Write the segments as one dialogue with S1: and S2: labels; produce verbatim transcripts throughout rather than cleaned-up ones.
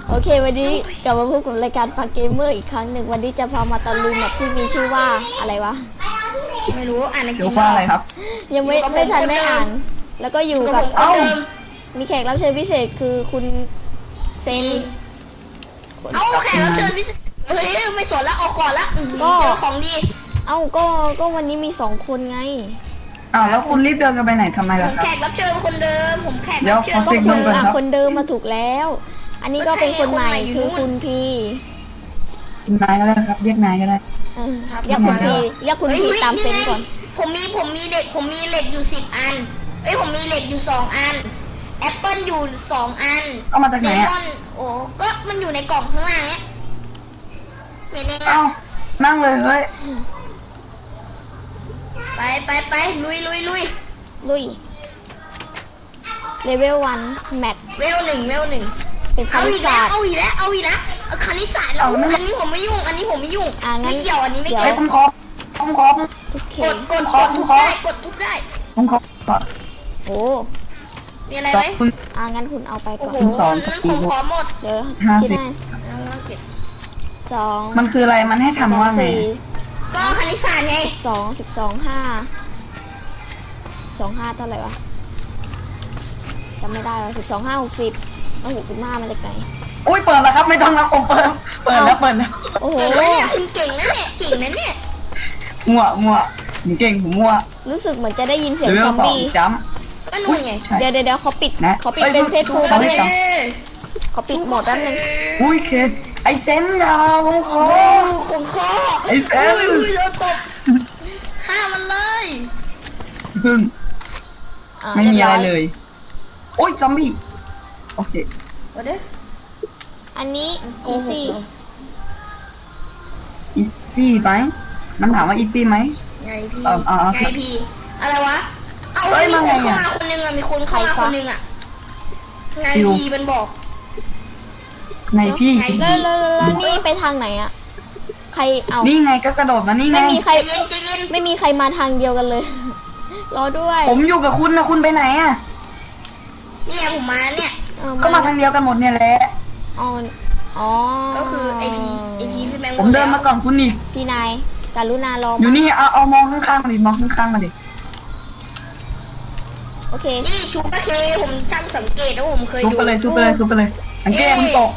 S1: โอเควันนี้กลับมาพบกับรายการฟังเกมเมอร์อีกครั้งหนึ่งวันนี้จะพามาตะลุยแบบที่มีชื่อว่าอะไรวะ
S2: ไม่รู้อ่านใน
S3: เกี่ยวว่าอะไรครับ
S1: ยังไม่ไม่ทันได้อ่าน แล้วก็อยู่กับ
S2: เอ้า
S1: มีแขกรับเชิญพิเศษคือคุณเซน
S2: เอ้าแขกรับเชิญพิเศษเฮ้ยไม่สนแล้วออกก่อนละ
S1: ก็
S2: เจอของดี
S1: เอ้าก็ก็วันนี้มีสองคนไง
S3: อ้าวแล้วคุณรีบเดินกันไปไหนทำไม
S2: ผ
S3: ล่ะ
S2: ม
S3: ครับ
S2: แขกรับเชิญคนเดิมผมแขก
S3: เดี๋ย
S2: รั
S3: ว
S2: บเชิญ
S3: ขอ
S1: ก็
S3: เสียง
S1: คุ
S3: ดั
S1: ณ
S3: งก่อน
S1: อ่ะ
S3: ครับ
S1: คนเดิมมาถูกแล้ว อันนี้ก็เป็นคนใหม่คือคุณพี
S3: นายก็ได้ครับเรียกนายก็ได้
S1: เออเรียกคุณพีเรียกคุณพีตามเซนก่อน
S2: ผมมีผมมีเหล็กผมมีเหล็กอยู่สิบอันเอ้ยผมมีเหล็กอยู่สองอันแอปเปิลอยู่สองอัน
S3: เอามาจากไหน
S2: เล
S3: อ่ะ
S2: มอนโอ้ก็มันอยู่ในกล่องข้างล่างเนี้ยเห็นไหม
S3: เอ้านั่งเลยเฮ้ย
S2: ไปไปไปลุยลุยลุย
S1: ลุยเลเวลวันแมท
S2: เวลหนึ่งเวลหนึ่ง
S1: เป็นค
S2: เอา
S1: ณิ
S2: อี
S1: ต
S2: กแล้
S1: ศาว สตร์
S2: เอาอีกแล้วเอาอีกแล้วเอาคณิตศาสตร์แล้วอันนี้ผมไม่ยุ่งอันนี้ผมไม่ยุ่ง
S1: อ่ะงั้น
S2: ไม่เกี่ยวอันนี้ไม่
S1: เดี๋
S2: เกี่
S1: ย
S2: ยว ว
S3: ผมขอผมขอ
S1: ทุกเค
S2: กดกดกดทุบได้กดทุบได้
S3: ผมขอขอ
S1: โอ้
S2: มีอะไร
S3: สอ
S2: ไหม
S3: งคุณ
S1: อ่างั้นคุณเอาไปก่
S2: โอ้
S1: อน
S2: โห
S3: คุณสอง
S2: นั้นผมขอหมด
S1: เดี๋ยว
S3: ห้า
S1: คิด
S3: สิบ
S1: ได้
S2: เอามาเก็บ
S1: สอง
S3: มันคืออะไรมันให้ทำว่าไง
S1: สี่
S2: ก็คณิตศาสตร์ไง
S1: สองสิบสองห้าสองห้าเท่าไหร่วะจำไม่ได้แล้วสิบสองห้าหกสิบแล้วหกสิบห้ามาจากไหน
S3: อุ้ยเปิดแล้วครับไม่ต้องรับผมเปิดเปิดแล้วเปิดแล้ว
S1: โอ้โห
S2: เฮ้ยคุณเก่งนะเนี่ยเก่งนะเนี่ย
S3: มั่วมั่วผมเก่งผมมั่ว
S1: รู้สึกเหมือนจะได้ยินเสียง
S3: เลเว
S1: ซ
S3: ล
S1: อม
S3: สอง
S1: บี้
S3: จัม
S2: ก็นู่นไง
S3: ใช่
S1: เดี๋ยวเดี๋ยวเดี๋ยวเขาปิด
S3: นะ
S1: เขาปิด
S3: เอ้ย
S1: เป็นเพจ
S3: ทุ
S1: ทู
S3: ก
S1: แป๊บ
S3: คน
S1: นึง
S3: ได้
S1: เขาปิดโหมดแป๊บนึง
S3: อุ้ยเคไอเซนยาผมขอ
S2: โอ้ของคอ
S3: ไอ้แฟน
S2: อุ้ยอุ้ยโดนตบฆ่ามันเลย
S3: ซึ่ง
S1: อ่า
S3: ไม่มีอะไร
S1: บ
S3: เลย โอ้ยซอมบี้โอเค
S2: วันเด้อ
S1: อันนี้
S2: โก
S1: อี
S2: หก
S1: ซี่
S2: เหรอ
S3: อีซี่ไหมมันถามว่าอีซี่ไหม
S2: ไงพี่
S3: เอ่ออ่า
S2: ไงพี่อะไรวะเอา
S3: เอ้
S2: เฮ้ย
S3: ย
S2: มีคน
S3: มาไง
S2: เข้า
S3: อะ
S2: มาคนนึงอ่ะมีคนเข้ามาคนนึงอ่ะไง
S3: คิว
S2: พี่มันบอก
S3: ในพี่
S2: ไง
S1: แล้วแล้วแล้วแล้วนี่ไปทางไหนอะใครเอา
S3: นี่ไงก็กระโดดมานี่ไง
S1: ไม่มีใคร
S2: ใจเย็นใจเย็น
S1: ไม่มีใครมาทางเดียวกันเลย รอด้วย
S3: ผมอยู่กับคุณนะคุณไปไหนอ่ะ
S2: เนี่ยผมมาเนี่ย
S1: เออ
S3: ก็มาทางเดียวกันหมดเนี่ยแหละ
S1: อ๋ออ๋อ
S2: ก็คือไอพีไอพีคือแมง
S3: ผมเดินมาก่อนคุณอีก
S1: พี่นายกรุณารอ
S3: อยู่
S1: มา
S3: นี่เอาเอามองข้างๆมาดิมองข้างๆมาดิ
S1: โอเค
S2: นี่ชูกระเคผมช่างสังเกตแล้วผมเคย
S3: ซุป
S2: ดู
S3: ไปเลยซุปไปเลยซุปไปเลยสังเกตมันตก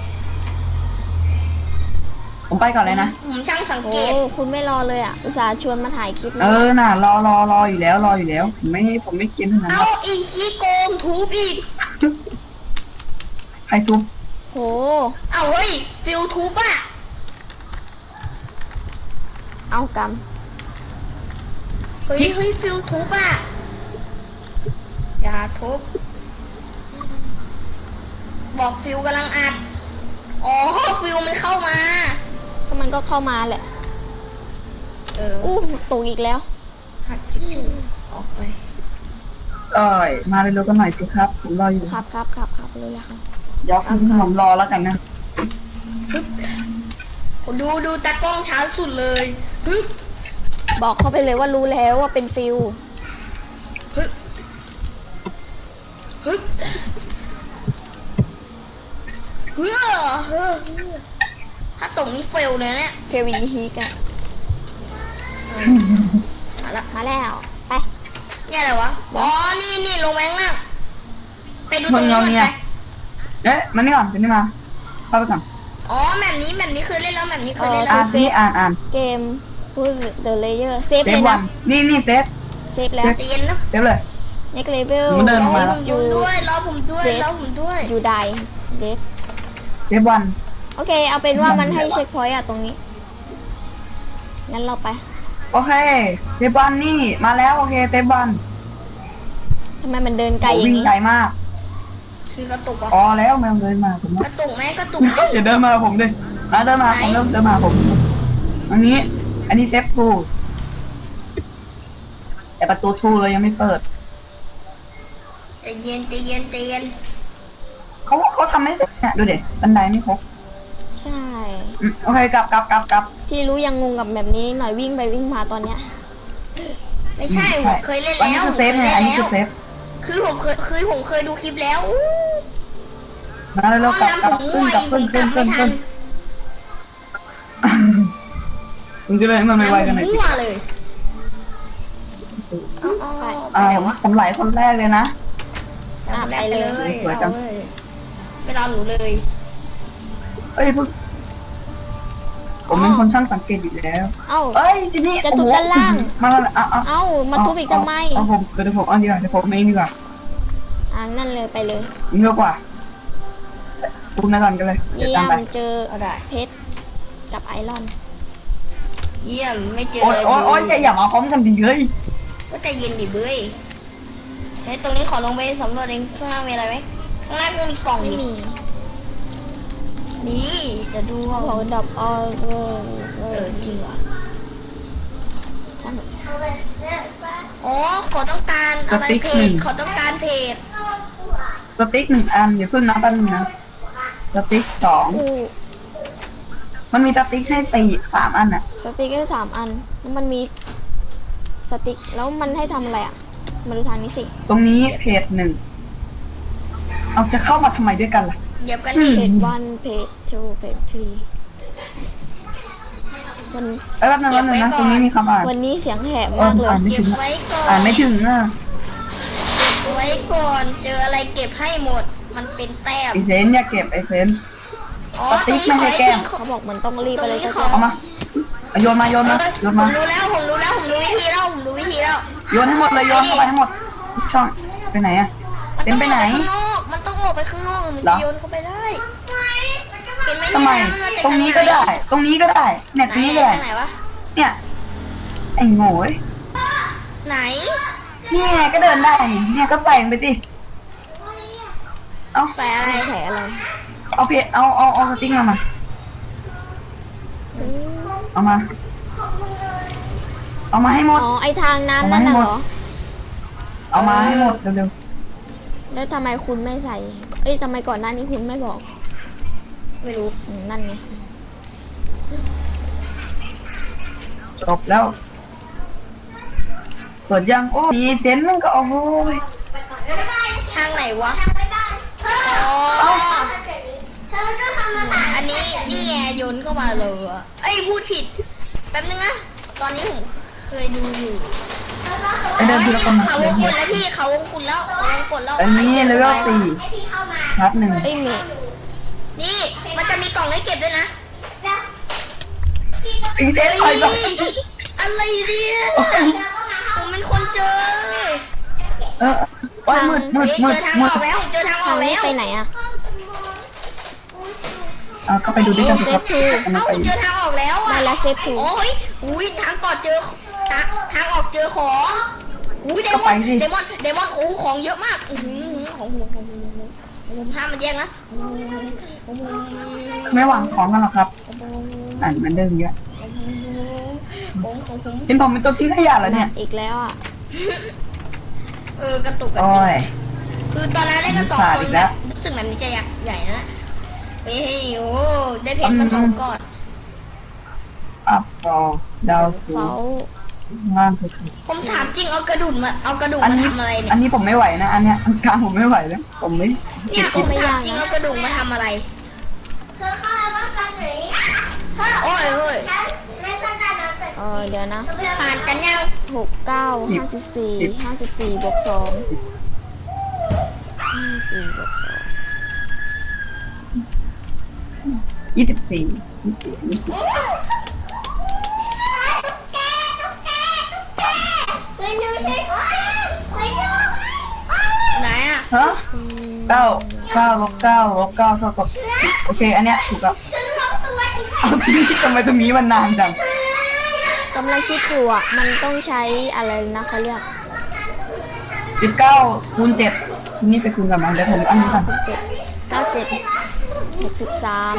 S3: ผมไปก่อนเลยนะ
S2: ผมช่างสัง
S1: โอ้
S2: เกต
S1: คุณไม่รอเลยอ่ะ อุตส่าห์ชวนมาถ่ายคลิป
S3: เอ
S1: แล้ว
S3: อน่ะรอรอรออยู่แล้วรออยู่แล้วผมไม่ผมไม่กินขนาด
S2: เอา
S3: นั้น
S2: อีขี้โกงทุบอีก
S3: ใครทุบ
S1: โห
S2: เอาเฮ้ยฟิลทุบอ่ะ
S1: เอาก
S2: เฮ้ยเฮ้ยฟิลทุบอ่ะอย่าทุบบอกฟิลกำลังอัดอ๋อฟิลมันเข้ามา
S1: ำก็มันก็เข้ามาแหละ
S2: เออ
S1: อู้ตกอีกแล้ว
S2: หักคลิปอยู่ออกไป
S3: เอ้ยมาเร็วๆกันหน่อยสิครับผมรออยู่
S1: ครับครับครับครับเลยละค่ะ
S3: เดี๋ยวคุณผมรอแล้วกันนะ
S2: ดูดูตากล้องช้าสุดเลยฮึบ
S1: บอกเขาไปเลยว่ารู้แล้วว่าเป็นฟิล
S2: ฮึบฮึบเฮ้อเฮ้อถ้าตกนี้เฟลเลยเนี่ย
S1: เพวีฮีกัน
S2: มาละ
S1: มาแล้ว ไป
S2: เนี่ยอะไรวะ อ๋อ นี่นี่ลงแมงล่างไปดูต
S3: มึ
S2: รง งนี้
S3: เอา
S2: ก่อน
S3: เนี่
S2: ไป
S3: ยเอ๊ะมานี่ก่อนเป็นนี่มาเข้าไปก่อน
S2: อ๋อแบบนี้แบบนี้เคยเล่นแล้วแบบนี้เคยเล่น
S3: อ่า
S2: แล้ว
S3: นนี่อ่านอ่าน
S1: เกม Who's the Layer เซฟ
S3: เซ
S1: เล
S3: ฟ
S1: ย
S3: วั
S1: นะ
S3: นนี่นี่เซฟ
S1: เซฟแล้ว
S2: ใจเย็นนะ
S3: เซฟเลย
S1: next level
S3: มันเดิน
S2: ร
S3: อ
S2: อ
S3: อกมา
S2: ผมด้วยรอผมด้วยรอผมด้วย
S1: อยู่ไดเดฟ
S3: เซฟวัน
S1: โอเค เอาเป็นว่ามันให้เช็คพอยต์อะตรงนี้ งั้นเราไป
S3: โอเคเซฟวันนี่มาแล้วโอเคเซฟวัน
S1: ทำไมมันเดินไกลอ
S3: โอ้
S1: ย่า
S3: วิ่
S1: ง
S3: ง
S1: นี้
S3: ไกลมาก
S2: คือกระตุกอ่ะ
S3: อ๋อแล้วแมวเดินมาผม
S2: กระตุกไหมกระตุกไหม
S3: อย่าเดินมาผมดิมาเดินมาผมเริ่มเดินมาผม อันนี้ อันนี้เซฟทูแต่ประตูทูเรายังไม่เปิด
S2: ใจเย็นใจเย็นใจเย็น
S3: เขาเขาทำไม่เสร็จเนี่ยดูเด็บันไดไม่ครบ
S1: ใช่
S3: อืมโอเคกลับกลับกลับกลับ
S1: ที่รู้ยังงงกับแบบนี้หน่อยวิ่งไปวิ่งมาตอนเนี้ย
S2: ไม่ใช่ผมเคยเล่น
S3: อัน
S2: แล้
S3: นี้
S2: ว
S3: คือ
S2: ผม
S3: เซ
S2: เค
S3: ฟ
S2: ย
S3: ไง
S2: เล่น
S3: อันนี้
S2: แล้
S3: คื
S2: ว
S3: อเซฟ
S2: คือผมเคยคือผมเคยดูคลิปแล้วอู้
S3: มาแล้วกลับกลับขึ้นกลับขึ้นขึ้นขึ้นขึ้นคุณจะเลยมันไม่ไวกันหน่อย
S2: มั่วเลยอ๋อ
S3: อ่าผมไหลคนแรกเลยนะ
S2: อ่ะไปเลย
S3: สวยจัง
S2: เอาเลยไม่รอหนูเลย
S3: เอ้ยพวกผมเป็นคนช่างสังเกตอยู่แล้ว
S1: เอ้า
S3: เอ้ยทีนี้
S1: จะทุบด้านล่าง
S3: มาแล้วเอาเอา
S1: เอ้ามาทุบอีกทำไม
S3: เอาผมเดี๋ยวผมเอาดีกว่าเดี๋ยวผมไม่ดีกว่า
S1: อ่านั่นเลยไปเลย
S3: นี่เยอะกว่าทุบในก่อนกันเลยเดี๋ยว
S1: เยี่ย
S3: ตาม
S1: ม
S3: ไป
S1: เจอ
S2: เอาได้
S1: เพชรกับไอรอน
S2: เยี่ยมไม่เจอ
S3: โอ๊ยโอ๊ยโอ๊ยอย่าอย่ามาพร้อมกันดีเฮ้ย
S2: ก็ใจเย็นดิเบ้ยเฮ้ยตรงนี้ขอลงไปสำรวจเองข้างล่างมีอะไรไหมข้างล่างมันมีกล่อง
S1: ไม่
S2: ดิ
S1: มี
S2: นี่จะดู
S1: ของดับออเออเอ
S2: เอ
S1: อ
S2: อจริงว่ะ
S1: ช่าง
S2: อ๋อขอต้องการอะไรเพจขอต้องการเพจ
S3: สติ๊กหนึ่งอันเดี๋ยวขึ้นนะแป๊บนึงนะสติ๊กสอง
S1: คู่
S3: มันมีสติ๊กให้สี่สามอันอ่ะ
S1: สติ๊กเกอร์สามอันแล้วมันมีสติ๊กแล้วมันให้ทำอะไรอ่ะมาดูทางนี้สิ
S3: ตรงนี้เพจหนึ่งเอาจะเข้ามาทำไมด้วยกันล่ะ
S2: เหยียบกัน
S1: เพ
S2: ดิ
S1: จวันเพจทูเพจทรีวัน
S3: เอ้ยแป๊บนึงแป๊บนึงนะตรงนี้มีคำอ่าน
S1: วันนี้เสียงแหบ
S3: เออ
S1: มากเลย
S3: อ่านไม่
S2: เก็
S3: ถึ
S2: บ
S3: ง
S2: ไว้ก่อน
S3: อ่านไม่ถึงอ่ะ
S2: ไว้ก่อนเจออะไรเก็บให้หมด มันเป็นแต้ม
S3: ไอเซนอย่าเก็บไอเซน
S2: อ๋อ
S3: สติ๊กไม่ให้แก้ม
S1: เขาบอกมันต้องรีบไปเลย
S2: ตรงนี้
S1: ก็
S2: ขอ
S3: เอามาเอาโยนมาโยนมาโยน
S2: ผม
S3: มา
S2: รู้แล้วผมรู้แล้วผมรู้วิธีแล้วผมรู้วิธีแล้ว
S3: โยนให้หมดเลยโยนเข้าไปให้หมดทุกช่องไปไหนอ่ะ
S2: มัน
S3: เซน
S2: ต้อง
S3: ไป
S2: อ
S3: ไหน
S2: อกไปข้างนอกมันต้องออกไปข้างนอกมัน
S3: เหร
S2: จะ
S3: อ
S2: โยนเข้าไปได้เห็นไหม
S3: ทำไม
S2: เนี่ยนมาจาก
S3: ตรงนี้ก็ได้ ตรงนี้ก็ได้เนี่ยตรงนี้ก็ได้
S2: ไหนวะ
S3: เนี่ยไอ้โง่เอ้ย
S2: ไหน
S3: เนี่ยก็เดินได้นี่เนี่ยก็แต่งไปสิเอา
S2: ใส่อะไร
S1: ใส่อะไร
S3: เอาเพจเอาเอาเอาสติ๊กมามาเอามา เอามาให้หมด
S1: อ๋อไอทางน้ำนั่นน่ะเหรอ
S3: เอามาให้หมดเร็ว
S1: แล้วทำไมคุณไม่ใส่ เอ้ยทำไมก่อนหน้านี้คุณไม่บอก
S2: ไม่รู้
S1: อืมนั่นไง
S3: ๆจบแล้วเปิดยังโอ้มีเซนมันก็โอ้ย
S2: ทางไหนวะอ๋ออันนี้นี่ไงโยนเข้ามาเลยอะเอ้ยพูดผิดแป๊บนึงนะตอนนี้ผมเคยดูอยู่
S3: ไอเดินทีละคน
S2: เขาว
S3: เดี๋ยว
S2: ง
S3: หม
S2: กุ
S3: ด
S2: ดแล้วพี่เขาวงกุดแล้วเขาวงกุดแล้ว
S3: อันนี้เลเวลสี่นัดหนึ่ง
S1: เอ้ยเมย์
S2: นี่มันจะมีกล่องให้เก็บด้วยนะ
S3: อีเซนถอยก่อน
S2: อะไรเนี่ยผมเป็นคนเจอ
S3: เออโอ้ยมืดมื
S2: เฮ้
S3: ด
S2: ย
S3: มื
S2: เจ
S3: ด
S2: อทาง
S3: มื
S2: อ
S3: ด
S2: อกแล้วผมเจอทางอ
S1: ทา
S2: อง ก
S1: นี้
S2: แล้ว
S1: ไปไหนอะ
S3: เอาก็ไปดูด้วยกันสิครับอันนี้
S2: เอ้า
S3: ไป
S2: ผมเจอทางออกแล้วอ่ะ
S1: ได้แล้วเซฟทู
S2: โอ้ยอุ้ยทางก่อนเจอทางทางออกเจอของอุ้ยเดมอนเดมอนเดมอนโอ้ของเยอะมากอื้อหือของผมของผมของผมผมห้ามมันแย่งนะของผมของผม
S3: ไม่หวังของกันหรอกครับอ่านมันเดิมเยอะ
S2: ของผมของผม
S3: เห็นผมเป็นตัวทิ้งขยะแล้วเนี่ย
S1: อีกแล้วอ่ะ
S2: เออกระตุกกระ
S3: โอ้
S2: ตุก
S3: ย
S2: คือตอนนั้นเล่นกันสอง
S3: ขาด
S2: ค
S3: อี
S2: น
S3: กแล้
S2: นะ
S3: ว
S2: รู้สึกแบบนี้จะใหญ่ใหญ่นะเฮ้ยโอ้ได้เพชรมาสองก้อน
S3: อัพรอดาวสู
S1: เขา
S3: งล่างสุด
S2: ผมถามจริงเอากระดูกมาเอากระดูก
S3: อัน
S2: มา
S3: นี้
S2: ทำอะไรเนี่
S3: อั
S2: ย
S3: นนี้ผมไม่ไหวนะ อันเนี้ยอันกลางผมไม่ไหวแล้วผมไม่
S2: เนี่ยผมถามจริงเอากระดูกมาทำอะไรโอ้ยโอ้ย
S1: เออเดี๋ยวนะ
S2: ผ่านกันยัง
S1: หกเก้าห้าสิบสี่ห้าสิบสี่บวกสองห้าสี่บวกสอง
S3: ยี่สิบสี่ยี่สิบสี่ยี่สิบ
S2: ไหนอ่ะ
S3: ฮะเก้าเก้าลบเก้าลบเก้าเท่ากับโอเค อันเนี้ยถูกแล้วเอาที่ทำไมตรงนี้มันนานจัง
S1: กำลังคิดอยู่อ่ะ มันต้องใช้อะไรนะเขาเรียก
S3: สิบเก้าคูณเจ็ดนี่ไปคูณกันมาเดี๋ยวผมอันนี้ก่อน
S1: เจ็ดเก้าเจ็ดหกสิบสาม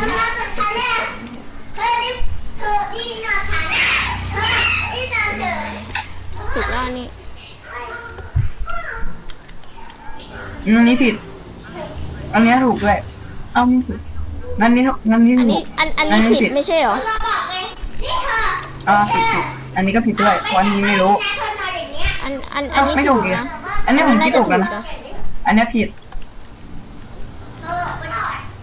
S1: ถูกแล้วอันนี่
S3: อันนี้ผิด อันนี้ถูกด้วยเอ้าไม่ถูกงั้นนี้งั้นนี้
S1: อัน
S3: ถู
S1: นี้
S3: ก
S1: อันอันนี้ผิดไม่ใช่เหรอ
S3: อ่าผิดผิดอันนี้ก็ผิดด้วยเพราะอันนี้ไม่รู้
S1: อันอันอันนี้
S3: ไม่ถู
S1: ถู
S3: ก
S1: ก
S3: อีก
S1: นะ
S3: อันนี้ผมคิดถูกแล้วนะ
S1: น่าจ
S3: อันนี้ผิด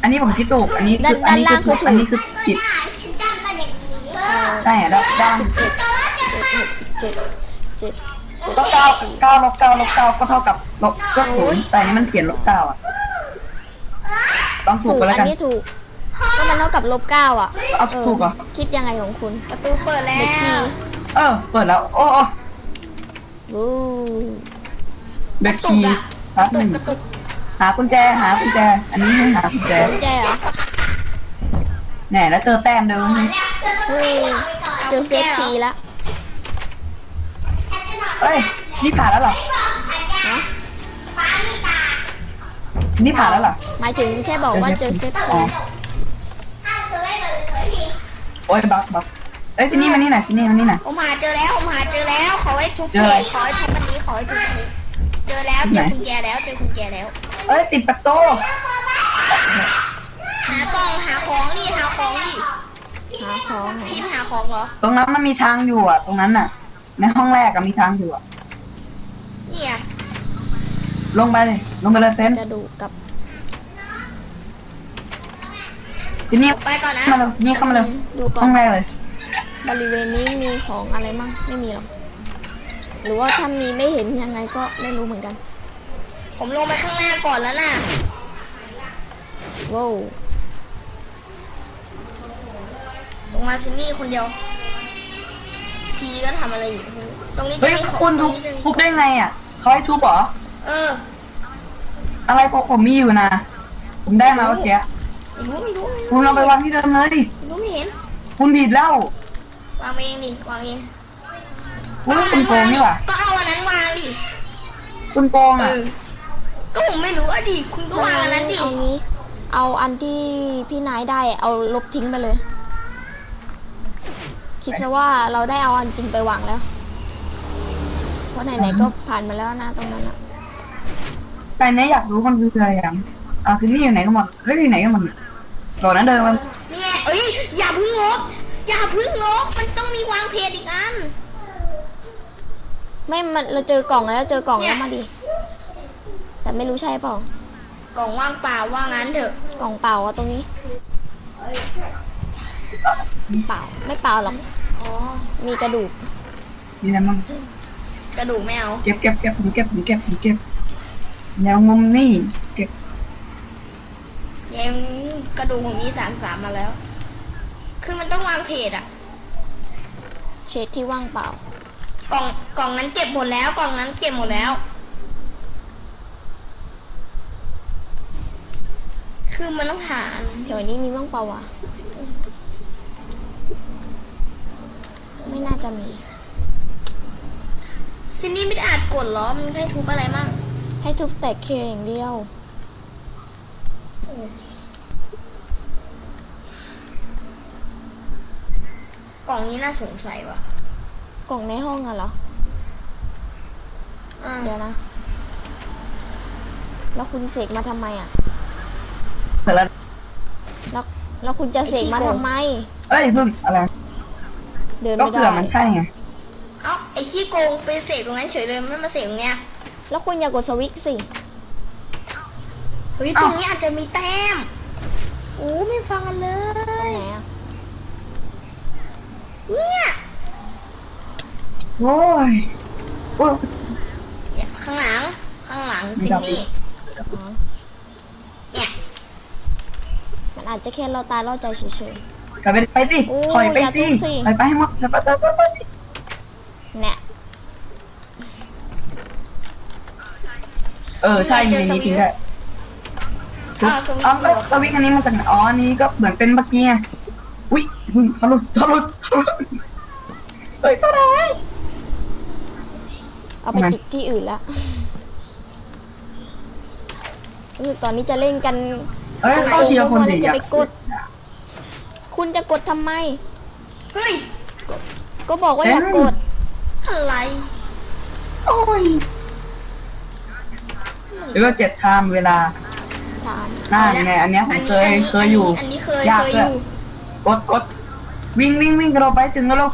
S3: อันนี้ผมคิดถูกอันนี้คืออันนี้คือถูกอันนี้คือผิด
S2: ฉันจำได้อย่างนี้
S1: เออ
S3: ใช่แล้วด้าน
S1: เจ็ดเจ็ดเจ็ด
S3: ก็เก้าเก้าลบเก้าลบเก้าก็เท่ากับลบก็ศูนย์แต่อันนี้มันเขียนลบเก้าอ่ะต้องถู
S1: ถู
S3: ก
S1: ก
S3: ไปแล้ว
S1: อั
S3: กัน
S1: นนี้ถูกก็มันเท่ากับลบเก้าอ่ะ
S3: เอา
S1: เออ
S3: ถูกเหรอ
S1: คิดยังไงของคุณ
S2: ประตูเปิดแล้
S1: เด็กพี่
S2: ว
S3: เออเปิดแล้วโอ้โอ้
S1: วู้
S3: เบ
S2: ก
S3: ค
S2: ระตุ
S3: คี
S2: กอะ
S3: ครั
S2: ก
S3: บ
S2: ระ
S3: ห
S2: ตุ
S3: นึ่
S2: ก
S3: ง
S2: กระตุก
S3: หากุญแจหากุญแจ อันนี้ให้หากุญแจ
S1: กุญแจเหรอ
S3: แหน่แล้วเจอแต้มเดิม
S1: เฮ้ยเจอเซฟทีแล้ว
S3: เฮ้ยนี่ผ่านแล้วเหรอ
S1: นะ
S3: นี่ผ่านแล้วเหรอ
S1: หมายถึงแค่บอกว่าเจอเซฟ
S3: อ๋
S1: ที
S3: อโอ้ยบักบักเอ้ยที่นี่มานี่หน่อยที่นี่มานี่หน่อย
S2: ผมหาเจอแล้วผมหาเจอแล้วขอให้ทุบ
S3: เจออะไร
S2: ขอให้ทุบอันนี้ขอให้ทุบอันนี้ เจอแล้ว
S3: ไห
S2: เจ
S3: น
S2: อคุณแจแล้วเจอคุณแจแล้ว
S3: เอ้ยติดประตู
S2: หากล่องหาของดิหาของดิ
S1: หาของเหรอ
S2: พิมพ์หาของเหรอ
S3: ตรงนั้นมันมีทางอยู่อ่ะ ตรงนั้นน่ะ ในห้องแรกอะมีทางอยู่อ่ะ
S2: เนี่ย
S3: ลงไปเลยลงไปเลยเซน
S1: กระดูกกับ
S3: ที่นี่
S2: ไปก่อนนะ
S3: มาเลยที่นี่เข้ามาเลย
S1: ดูก่อ
S3: ห้อน งแรกเลย
S1: บริเวณนี้มีของอะไรมั่งไม่มีหรอกหรือว่าถ้ามีไม่เห็นยังไงก็ไม่รู้เหมือนกัน
S2: ผมลงไปข้างล่างก่อนแล้วน่ะ
S1: ว้าว
S2: ลงมาซินนี่คนเดียวพีก็ทำอะไรอยู่ตรงนี้จะ
S3: เฮ้ย
S2: มีของ
S3: คุณ
S2: ตร
S3: ทุ
S2: ง
S3: บ
S2: นี้จะมี
S3: ทุบได้ไงอ่ะเขาให้ทุบเหรอ
S2: เออ
S3: อะไรพวกผมมีอยู่นะ ผมได้มาเมื่อกี้
S2: ไม่รู้ไม่รู้
S3: คุณเอาไปวางที่เดิมเลย
S2: ไม่รู้ไม่เห็น
S3: คุณผิดแล้ว
S2: วางเองดิวางเอง
S3: คุณคุณโกงนี่หว่า
S2: ก็เอาอันนั้นวางดิ
S3: คุณโกง
S2: เอ
S3: อ่ะ
S2: อก็ผมไม่รู้อ่ะดิคุณก็วางอันนั้นดิ
S1: เอางี้ เอาอันที่พี่นายได้เอาลบทิ้งไปเลย คิดซะว่าเราได้เอาอันจริงไปวางแล้ว เพราะไหนๆก็ผ่านมาแล้วนะตรงนั้นอะ
S3: แต่เนี้ยอยากรู้มันคืออะไรอย่างอ่ะซินนี่อยู่ไหนกันหมดเฮ้ยอยู่ไหนกันหมดเนี่ยโดดนั้นเดินมัน
S2: เนี่ยเอ้ยอย่าเพึ่งลบอย่าเพึ่งลบมันต้องมีวางเพจอีกอัน
S1: ไม่มันเราเจอกล่องแล้วเจอกล่องแล้วมาดิแต่ไม่รู้ใช่เปล่าก
S2: ล่องว่างเปล่าว่างั้นเถอะ
S1: กล่องเปล่าอะตรงนี้ เปล่าไม่เปล่าหรอก
S2: อ๋อ
S1: มีกระดูก
S3: นี่นะมั่ง
S2: กระดูกไม่เอา
S3: เก็บเก็บเก็บผมเก็บผมเก็บผมเก็บแนวงมนี่เก็บ
S2: ยังกระดูกผมมีสามสามมาแล้ว คือมันต้องวางเพจอะ
S1: เช็ดที่ว่างเปล่า
S2: กล่องกล่องนั้นเก็บหมดแล้วกล่องนั้นเก็บหมดแล้ว คือมันต้องหาอัน
S1: แถวนี้มีว่างเปล่าวะไม่น่าจะมี
S2: ซินนี่ไม่ได้อาจกดเหรอมันให้ทุบอะไรมั่ง
S1: ให้ทุบแตกเคอย่างเดียว
S2: กล่องนี้น่าสงสัยว่ะ
S1: กล่องในห้องอะเหรอ
S2: อ่า
S1: เดี๋ยวนะ แล้วคุณเสกมาทำไมอะ
S3: เสร็จแล้ว
S1: แล้วแล้วคุณจะเสกมาทำไม
S3: เอ้ยเพิ่งอะไร
S1: เดิน
S3: ก็
S1: ไม่ได้
S3: เผื่อมันใช่ไง
S2: เอ้าไอขี้โกงไปเสกตรงนั้นเฉยเลยไม่มาเสกตรงเนี้ย
S1: แล้วคุณอย่ากดสวิตช์สิ
S2: เฮ้ยตรงนี้อาจจะมีแต้มโอ้ไม่ฟังกันเล
S1: ตรง
S2: ย
S1: ไหนอะ
S2: เนี่ย
S3: โอ้ยโอ้ย
S2: เนี่ยข้างหลังข้างหลัง
S3: มี
S2: ซิน
S3: ดาว
S2: นี่
S1: อ๋อ
S2: เนี่ย
S1: มันอาจจะแค่เราตายล่อใจเฉย
S3: กลับไปไปสิ
S1: โอ้ย
S3: ถอยไป
S1: อย่า
S3: สิ
S1: ทุบสิ
S3: ไปไปให้หมดไปไปไปไปไป
S1: ๆเนี่ย
S3: เออใช่ในนี้ทิ้งได้ทุบ
S2: อ้าวสวิตช์
S3: อ๋อ
S2: อยู่
S3: สวิตช์อันนี้มาจากไหนอ๋ออันนี้ก็เหมือนเป็นเมื่อกี้ไงอุ้ยเพิ่งทะลุทะลุทะลุเฮ้ยตาไหน
S1: เอาไปติดที่อื่นละรู้สึกตอนนี้จะเล่นกัน
S3: เอ้ยเข้าทีละคนดิ
S1: จะไปกด คุณจะกดทำไม
S2: เฮ้ย
S1: ก็บอกว่าอย่ากด
S2: อะไร
S3: โอ้ยหรือว่าเจ็ดไทม์เวลา
S1: ถาม
S3: หน้าไงอันเนี้ยผมเคย
S2: อันนี้
S3: เคยอยู่
S2: อันนี้เคย
S3: ยาก
S2: เคย
S3: เล
S2: อย ยู่
S3: กดกดวิ่งวิ่งวิ่งกันเราไปถึงแล้วเรา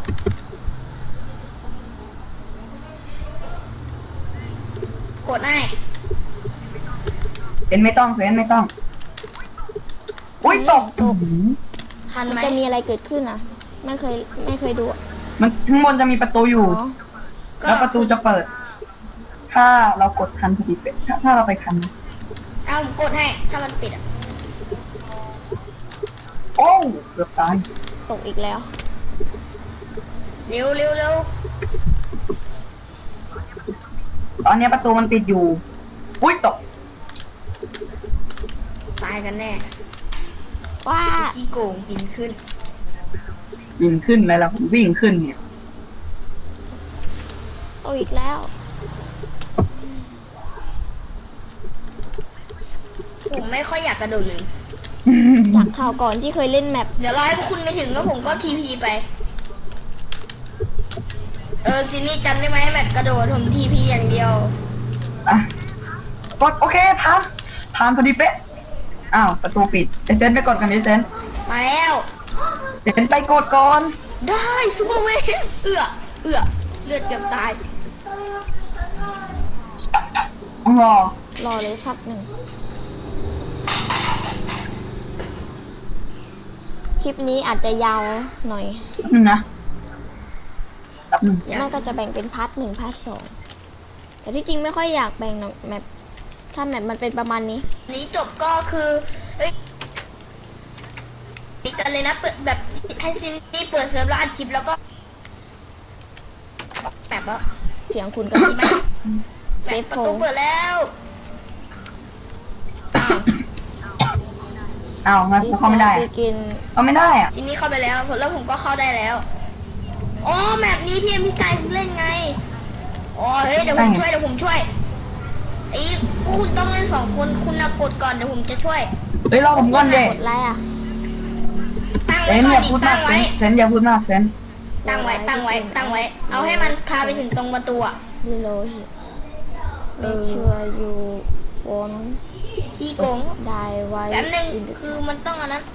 S2: กดให้
S3: เซนไม่ต้องเซนไม่ต้องอุ้ยตก
S1: ตก
S3: อื้อหือ
S2: ทัน
S1: มัน
S2: ไหม
S1: จะมีอะไรเกิดขึ้นอ่ะ ไม่เคยไม่เคยดูอะ
S3: มันข้างบนจะมีประตูอยู่
S1: อ๋อ
S3: แล้วประตูจะเปิด ถ้าเรากดทันพอดีเป็นถ้าถ้าเราไปทันนะ
S2: เอาผมกดให้ถ้ามันปิดอ่ะ
S3: โอ้เกือบตาย
S1: ตกอีกแล้ว
S2: เร็วเร็วเร็ว
S3: ตอนเนี้ยประตูมันปิดอยู่ อุ้ยตก
S2: ตายกันแน่
S1: ว้า
S2: ขี้โกงบินขึ้น
S3: วิ่งขึ้นเลยล่ะผมวิ่งขึ้นเนี่ย
S1: ตกอีกแล้ว
S2: ผมไม่ค่อยอยากกระโดดเลย
S1: จากข่าวก่อนที่เคยเล่นแมป
S2: เดี๋ยวรอให้พวกคุณไปถึงแล้วผมก็ทีพีไป เออซินี่จำได้ไหมแมปกระโดดผมทีพีอย่างเดียว
S3: อ่ะกดโอเคผ่านผ่านพอดีเป๊ะ อ้าวประตูปิดไอเซนไปกดกันไอเซน
S2: มาแล้ว
S3: เซนไปกดก่อน
S2: ได้ซูเปอร์แมนเอือเอือเลือดเกือบตาย
S3: อ๋อ
S1: รอเลยสักหนึ่ง คลิปนี้อาจจะยาวหน่อย
S3: แป๊บนึงนะแป๊บนึง
S1: ไม่ก็จะแบ่งเป็นพาร์ทหนึ่งพาร์ทสองแต่ที่จริงไม่ค่อยอยากแบ่งหรอกแมปถ้าแมปมันเป็นประมาณนี้
S2: นี้จบก็คือเอ้ยปิดกันเลยนะเปิดแบบให้ซินี่เปิดเซิร์ฟแล้วอัดคลิปแล้วก็แบบว่า
S1: เสียงคุณก็
S2: ดี
S1: ดี
S2: ไหม
S1: มาก
S2: แบ
S1: เซ
S2: บ
S1: ฟ
S2: ประ
S1: โฟ
S2: ตูเปิดแล้วอ้าว
S3: อ้าวงั้นเข้าไม่ได้
S1: ไป
S3: อะ
S1: กิน
S3: เข้าไม่ได้อะ
S2: ทีนี้เข้าไปแล้วแล้วผมก็เข้าได้แล้วอ๋อแมปนี้พี่เอ็มพี่ไก่เล่นไงอ๋อเฮ้ยเดี๋ยวผมช่วยเดี๋ยวผมช่วยไอ้คุณต้องเล่นสองคนคุณนะกดก่อนเดี๋ยวผมจะช่วย
S3: เฮ้ยรอผมก่อนเด็
S1: กดไลค์อ่ะ
S2: ตั้ง
S3: เซ
S2: ไว้
S3: น
S2: ก่อ
S3: อน ย่า
S2: ดิ
S3: พูด
S2: ตั้
S3: มาก
S2: ง
S3: เซ
S2: ไว้
S3: นเซนอย่าพูดมากเซน
S2: ตั้งไว้ตั้งไว้ตั้งไว้ เอาให้มันพาไปถึงตรงประตูอะ
S1: ดีโลหิต make sure you won't
S2: ขี้โกง
S1: die while
S2: แป๊บนึง
S1: in the
S2: คือมันต้องอันนั้น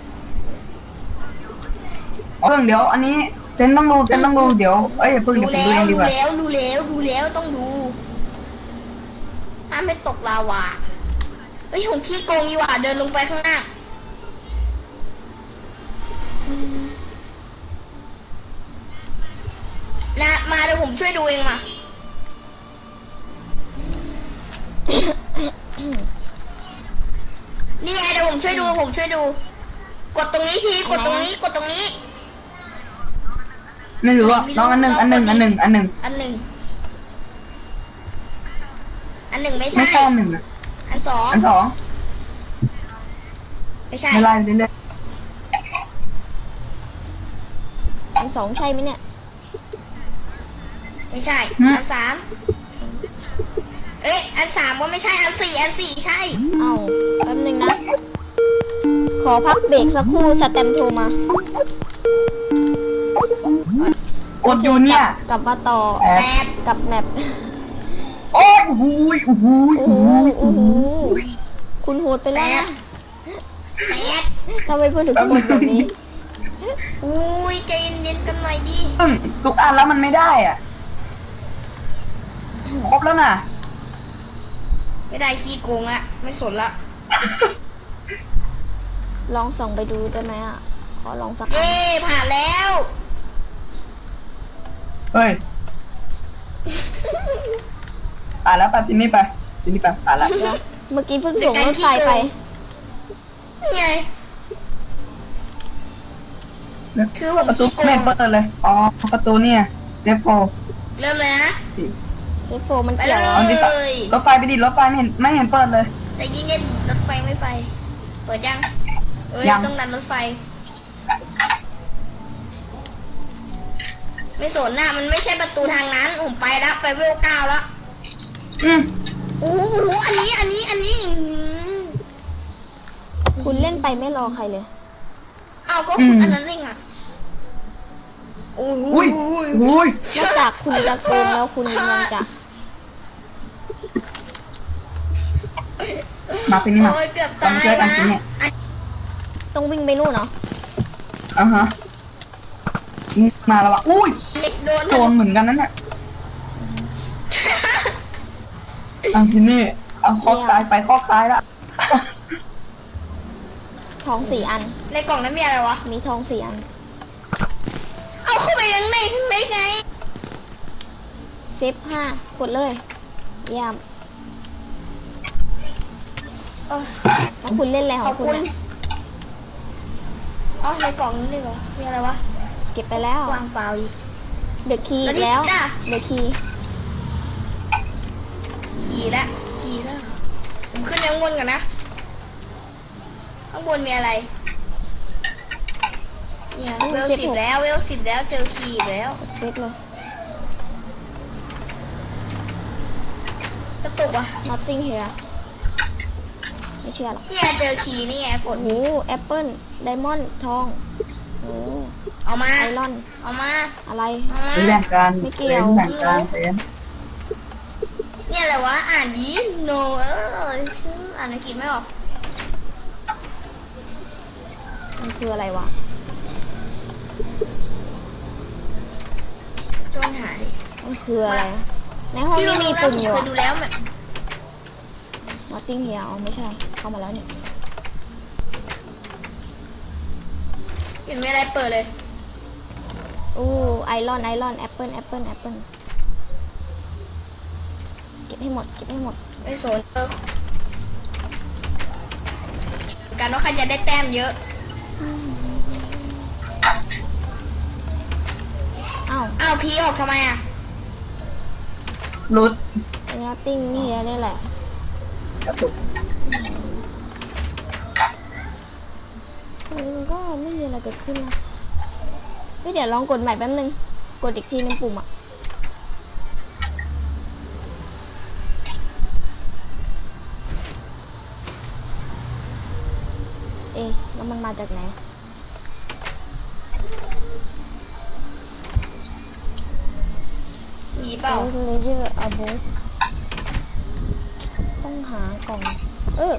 S3: เพิ่งเดี๋ยวอันนี้เซนต้องดูเซนต้องดูเดี๋ยวเอ้ยอย่าเพิ่ง
S2: ดู
S3: เดี๋ยวผม
S2: แล้
S3: ดู
S2: ว
S3: เองดี
S2: ดู
S3: กว่า
S2: แล้วดูแล้วดูแล้วต้องดูห้ามไม่ตกลาวาเฮ้ยผมขี้โกงดีกว่าเดินลงไปข้างหน้านะมาเดี๋ยวผมช่วยดูเองมา นี่ไงเดี๋ยวผมช่วยดูผมช่วยดู กดตรงนี้ทีกดตรงนี้กดตรงนี้
S3: ไม่รู้อ่ะน้องอันหนึ่งอันหนึ่งอันหนึ่งอันหนึ่ง
S2: อันหนึ่งอันหนึ่งไม่
S3: ไม่
S2: ใช่
S3: ใช่อันหนึ่งอะ
S2: อันสอง
S3: อันสอง
S2: ไม่ใช่
S3: ไม่ไล่เรื่อย
S1: อันสองใช่ไหมเนี่ย
S2: ไม่ใช่ อันสามเอ้ยอันสามก็ไม่ใช่อันสี่อันสี่ใช่
S1: เอ้าแป๊บนึงนะ ขอพักเบรกสักครู่สแตมป์โทรมา
S3: ๆกดอยู่เนี่ย
S1: กลับมาต่อ
S3: แอ
S2: แป
S3: ด
S2: ด
S1: กับแมป
S3: โอ้ยโอ้โหโอ้โห
S1: โอ้
S3: โอ้
S1: โห
S3: โห
S1: โอ้โหคุณโหดไปแล้วนะ
S2: แปด
S1: ทำไมพูดถึงคนแบบนี้
S2: อุ้ยใจเย็นๆกันหน่อยดิ
S3: ซึ่งทุกอันแล้วมันไม่ได้อ่ะครบแล้วน่ะ
S2: ไม่ได้ขี้โกงละไม่สนละ
S1: ลองส่องไปดูได้ไหมอ่ะ ขอลองสัก
S2: เย้ผ่านแล้ว
S3: เฮ้ยอ่านแล้วไปที่นี่ไปที่นี่ไปอ่านแล้ว
S1: เมื่อกี้เพิ่งส่งรถไฟไป
S2: นี่ไง คือผม
S3: ประตู
S2: ขี้โกง
S3: ไม่เห็นเปิดเลยอ๋อประตูเนี่ยเจฟโฟ
S2: เริ่มเลยนะ
S1: เชฟโฟมัน
S2: ไป
S1: เกี่ยว
S2: เล
S1: เหรอ
S3: เอาดิ
S2: ย
S3: รถไฟไปดิรถไฟไม่เห็นไม่เห็นเปิดเลย
S2: แต่ยิ่งเล่นรถไฟไม่ไป เปิดยัง เอ้ย
S3: ยัง
S2: ต้องดันรถไฟ ไม่สนนะมันไม่ใช่ประตูทางนั้น ผมไปแล้วไปเวลเก้าแล้ว
S3: อืม
S2: โอ้โหอันนี้ อันนี้ อันนี้อื้อหือ
S1: คุณเล่นไปไม่รอใครเลย
S2: เอาก็คุณอันนั้นเองอ่ะโอ้โห
S3: อุ้ยอุ้ย
S1: นอกจากคุณจะโกงแล้วคุณยังจะ
S3: มาที่นี่มา
S2: โอ้ยเกือบ
S3: ต้อง
S2: ตาย
S3: ช่วยกัน
S2: นะ
S3: สิเนี่ย
S2: อัน
S1: ต้องวิ่งไปนู่นเนาะ
S3: อ่าฮะมาแล้ววะอุ้ย
S2: เด็กโดน
S3: โจรเหมือนกันนั่นแหละเอาที่นี่เอาคอกตายไปคอกตายละ
S1: ทองสี่อัน
S2: ในกล่องนั้นมีอะไรวะ
S1: มีทองสี่อัน
S2: เอาเข้าไปยังในข้างในไง
S1: เซฟห้ากดเลยเยี่ยม
S2: เออ
S1: แล้วคุณเล่นอะไรข
S2: ข
S1: อ
S2: อง บ
S1: คุณ
S2: คุณ
S1: อะ
S2: อ๋อในกล่องนั้นเลยเหรอ มีอะไรวะ
S1: เก็บไปแล้ว
S2: วางเปล่าอีก
S1: เดอะคีย์
S2: แล้
S1: อี
S2: ว
S1: ก
S2: นี่
S1: แล้ว
S2: จ้ะ
S1: เดอะคีย์
S2: ขี่แล้วขี่แล้วเหรอผมขึ้นไปข้างบนก่อนนะ ข้างบนมีอะไร เนี่ยเวลสิบแล้วเวลสิบแล้วเจอขี่อีกแล้ว
S1: กดเซฟเลย
S2: กระตุกอ่ะ
S1: nothing here ไม่เชื่อหรอก
S2: เนี่ยเจอขี่นี่ไงกด
S1: โอ้แอปเปิลไดมอนด์ทองโอ้
S2: เอามา
S1: ไอรอน
S2: เอามา
S1: อะไร
S2: เอามา
S3: หรือแบ่งกัน
S1: ไม่เกี่ยว
S3: แบ่งกันเซน
S2: เนี่ยอะไรวะ อ่านดี no เออฉันอ่านอังกฤษไม่ออก
S1: มันคืออะไรวะ
S2: จนหาย
S1: มันคืออะไร ในห้อง
S2: ที่
S1: นี้
S2: เรา
S1: มี
S2: รู้แล้ว
S1: ปุ่ม
S2: ผม
S1: อยู่
S2: เค
S1: อะ
S2: ยดูแล้วมัน
S1: nothing here อ๋อไม่ใช่ เข้ามาแล้วเนี่ย
S2: เห็นมีอะไรเปิดเลย
S1: อู้ไอรอนไอรอนแอปเปิลแอปเปิลแอปเปิลเก็บให้หมดเก็บให้หมด
S2: ไม่สนเออการว่าใครจะได้แต้มเยอะ
S1: อ้าว
S2: อ้าวพีออกทำไมอ่ะ
S3: รุด
S1: ไอ้ nothing นี่นี่แหละ
S3: กระตุก
S1: เออก็ไม่มีอะไรเกิดขึ้นนะเฮ้ยเดี๋ยวลองกดใหม่แป๊บนึง กดอีกทีนึงปุ่มอ่ะ เอ๊ะแล้วมันมาจากไหน
S2: มีเปล่า
S1: เลเยอร์อาบูต้องหากล่อง เออ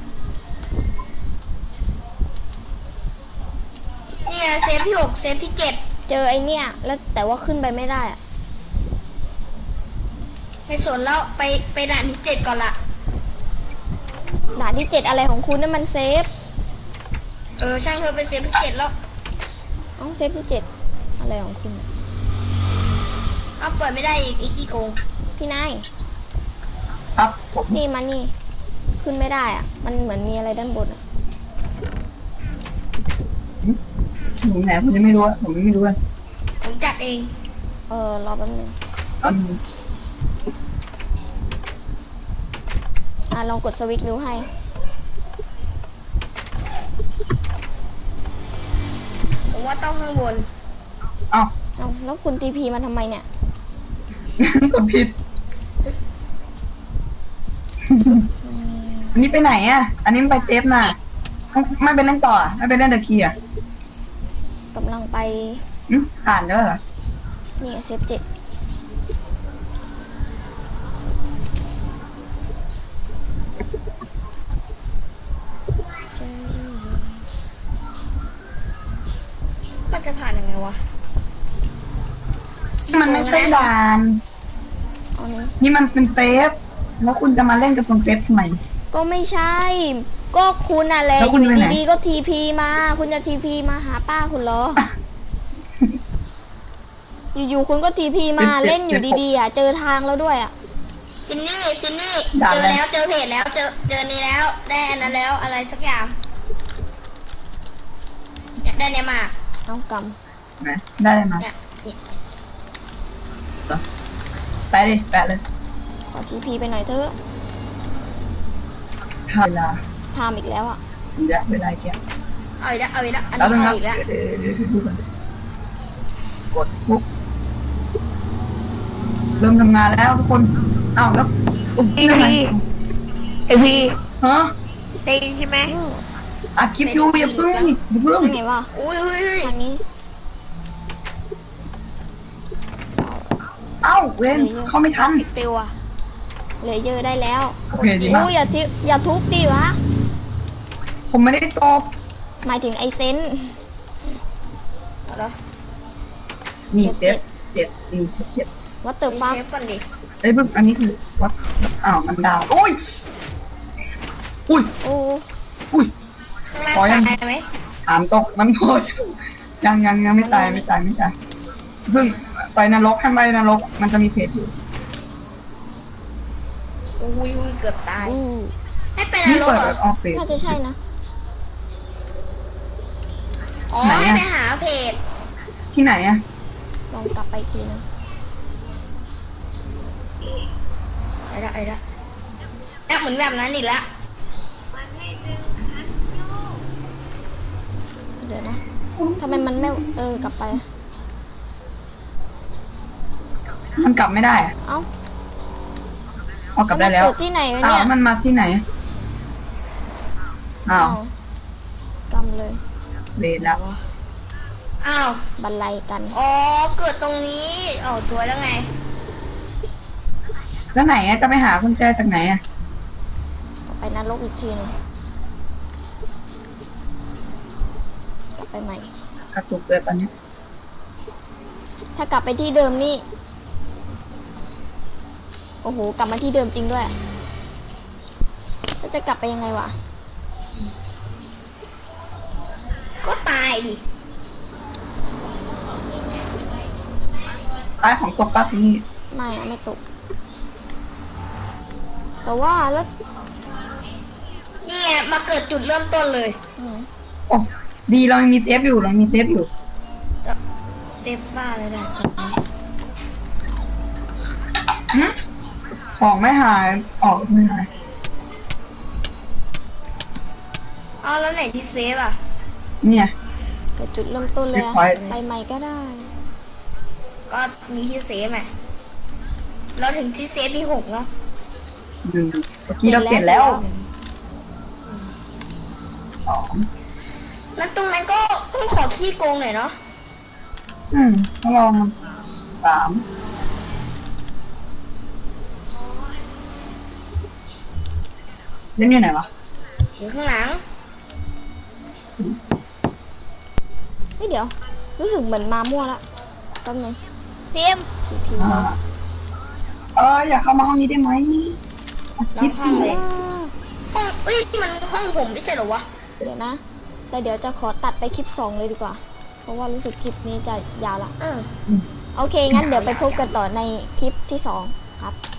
S2: เนี่ยเซฟที่หกเซฟที่เจ็ด
S1: เจอไอเนี่ย แล้วแต่ว่าขึ้นไปไม่ได้อะ
S2: ไม่สนแล้วไปไปด่านที่เจ็ดก่อนละ
S1: ด่านที่เจ็ดอะไรของคุณนั่นมันเซฟ
S2: เออช่างเธอไปเซฟที่เจ็ดแล้ว
S1: เอ้าเซฟที่เจ็ดอะไรของคุณอะ
S2: เอาเปิดไม่ได้อีกไอ้ขี้โกง
S1: พี่นาย
S3: ครับผม
S1: นี่มานี่ ขึ้นไม่ได้อ่ะ มันเหมือนมีอะไรด้านบนอ่ะ
S3: หนูไหนผมยังไม่รู้อะผมยังไม่รู้เลย
S2: ผมจัดเอง
S1: เออรอแป๊บนึง
S3: อืม
S1: อ่ะลองกดสวิตช์ดูให้
S2: ผมว่าต้องข้างบน
S3: เอ้า
S1: เอ้าแล้วคุณทีพีมาทำไมเนี่ย
S3: กดผิดอันนี้ไปไหนอ่ะ อันนี้มันไปเซฟน่ะไม่ไม่ไปเล่นต่ออะไม่ไปเล่นเดอะคีย์อ่ะ
S1: กำลังไป
S3: อืมผ่านแล้วเหรอ
S1: นี่เซฟเจ็ด
S2: มันจะผ่านยังไงวะ
S3: มันไม่ใช่ด่าน
S1: เอานี้
S3: นี่มันเป็นเซฟแล้วคุณจะมาเล่นกับตรงเซฟทำไม
S1: ก็ไม่ใช่ ก็คุณน่ะแหละ
S3: แล้ว
S1: อ
S3: คุณ
S1: ยู่
S3: ไปไหน
S1: ดีๆก็ทีพีมา คุณจะทีพีมาหาป้าคุณเหรอ อยู่ๆคุณก็ทีพีมาเล่นอยู่ดีๆอ่ะ เจอทางแล้วด้วยอ่ะ
S2: ซินนี่ซินนี่
S3: ด่า
S2: เจอ
S3: อะไร
S2: แล้วเจอเพจแล้วเจอเจอนี้แล้วได้อันนั้นแล้วอะไรสักอย่างเนี่ยได้เนี่ยมา
S1: เอาก
S3: นะได้เลยมา
S2: เนี่ยนี่
S3: ไปดิแปะเลย
S1: ำขอทีพีไปหน่อยเถอะ
S3: ทาเวลา
S1: ทำอีกแล้วอ่ะ
S3: อีกแล้วเวลาแก
S2: เอาอีกแล้วเอาอีกแล้วอัน
S3: แล้ว
S2: นี้
S3: ต้อง
S2: เอา
S3: นับ
S2: อีกแล้ว
S3: เดี๋ยวเดี๋ยวเดี๋ยวดูกันกดปุ๊บเริ่มทำงานแล้วทุกคนอ้าวแล้วอุ๊บ
S2: อีพี เอพี
S3: ฮะ
S2: ได้ยินใช่ไหม
S3: อัดคลิปอยู่อย่าเพิ่งอย่าเพิ่ง
S1: ทางไหนวะ
S2: อุ้ยเฮ้ยเฮ้ย
S1: ทางนี้
S3: เอ้าเว้นเข้าไม่ทัน
S1: ติวอะเลเยอร์ได้แล้ว
S3: โอเคดีมาก
S1: อู้อย่าทิอย่าทุบดิวะ
S3: ผมไม่ได้ตอบ
S1: หมายถึงไอเซน
S2: เอาเหรอ
S3: นี่เจ็ดเจ็ดอืมเจ็ด
S1: วัตเตอร์ฟัก
S2: เซฟก่อนดิ
S3: เอ้ยเพิ่งอันนี้คือวัดอ้าวมันดาวโอ้ยอุ้ย
S1: โอ้
S3: อุ้ย
S2: ข้างล่าง
S3: อยัง
S2: ตายไหม
S3: ถามตกมันพอยังยังยังไม่ตายไม่ตายไม่ตายเพิ่งไปนรกให้ไปนรกมันจะมีเพจอยู่
S2: อุ้ยอุ้ยเกือบตาย
S1: อู้
S2: ให้ไปน
S3: นี่
S2: รก
S3: เปิด
S2: เหรอ
S3: ออกเพจ
S1: น่าจะใช่นะ
S2: อ๋อ
S3: ไหนอะ
S2: ให้ไปหาเพจ
S3: ที่ไหนอะ
S1: ลองกลับไปอีกทีนึง
S2: ไอ้ละไอ้ละแอบเหมือนแบบนั้นอีกแล้ว
S1: เดี๋ยวนะทำไมมันไม่เออกลับไป
S3: มันกลับไม่ได้อะ
S1: เอ้า
S3: เอากลับได้แล้ว
S1: มันเกิดที่ไหนวะ
S3: อ้า
S1: เนี่
S3: วย มันมาที่ไหนอ้าว
S1: กำเลย
S3: เลนแล้ว
S2: อ้าว
S1: บันไลกัน
S2: อ๋อเกิดตรงนี้อ๋อสวยแล้วไง
S3: แล้วไหนอะจะไปหากุญแจจากไหนอะ
S1: ไปนรกอีกทีหนึงกลับไปใหม่
S3: กระตุกเลยตอนนี้
S1: ถ้ากลับไปที่เดิมนี่ โอ้โห กลับมาที่เดิมจริงด้วยแล้วจะกลับไปยังไงวะ
S2: ก็ตายดิ
S3: ใต้ของตกป้าที่นี่
S1: ไม่อะไม่ตก แต่ว่าแล้ว
S2: นี่ไงมาเกิดจุดเริ่มต้นเลย
S1: อืม
S3: โอ้ดีเรายังมีเซฟอยู่เรายังมีเซฟอยู่
S2: เซฟบ้าเลยนะ
S3: หึของไม่หายออกไม่หาย
S2: เอาแล้วไหนที่เซฟอ่ะ
S3: เนี่ย
S1: เกิดจุดเริ่มต้นเลยอะ
S3: เก็บไว้
S1: ไปใหม่ก็ได้
S2: ก็มีที่เซฟไงเราถึงที่เซฟที่หกเนาะ
S3: ดูเมื่อกี้เราเปลี่ยนแล้วสอง
S2: นั้นตรงนั้นก็ต้องขอขี้โกงหน่อยเนาะ
S3: อืมต้องลองสามเส้นอยู่ไหนวะ
S2: อยู่ข้างหลัง
S3: สี่
S1: เฮ้ยเดี๋ยว รู้สึกเหมือนมามั่วละแป๊บนึง
S2: พิมพ์
S1: พีพี
S3: อ่าเอออย่าเข้ามาห้องนี้ได้ไหม
S2: ล็อกห้องเลยห้องเอ้ยมันห้องผมไม่ใช่เหรอวะ
S1: เดี๋ยวนะ แต่เดี๋ยวจะขอตัดไปคลิปสองเลยดีกว่า เพราะว่ารู้สึกคลิปนี้จะยาวละ
S2: เออ
S1: โอเค งั้นเดี๋ยวไปพบกันต่อในคลิปที่สองครับ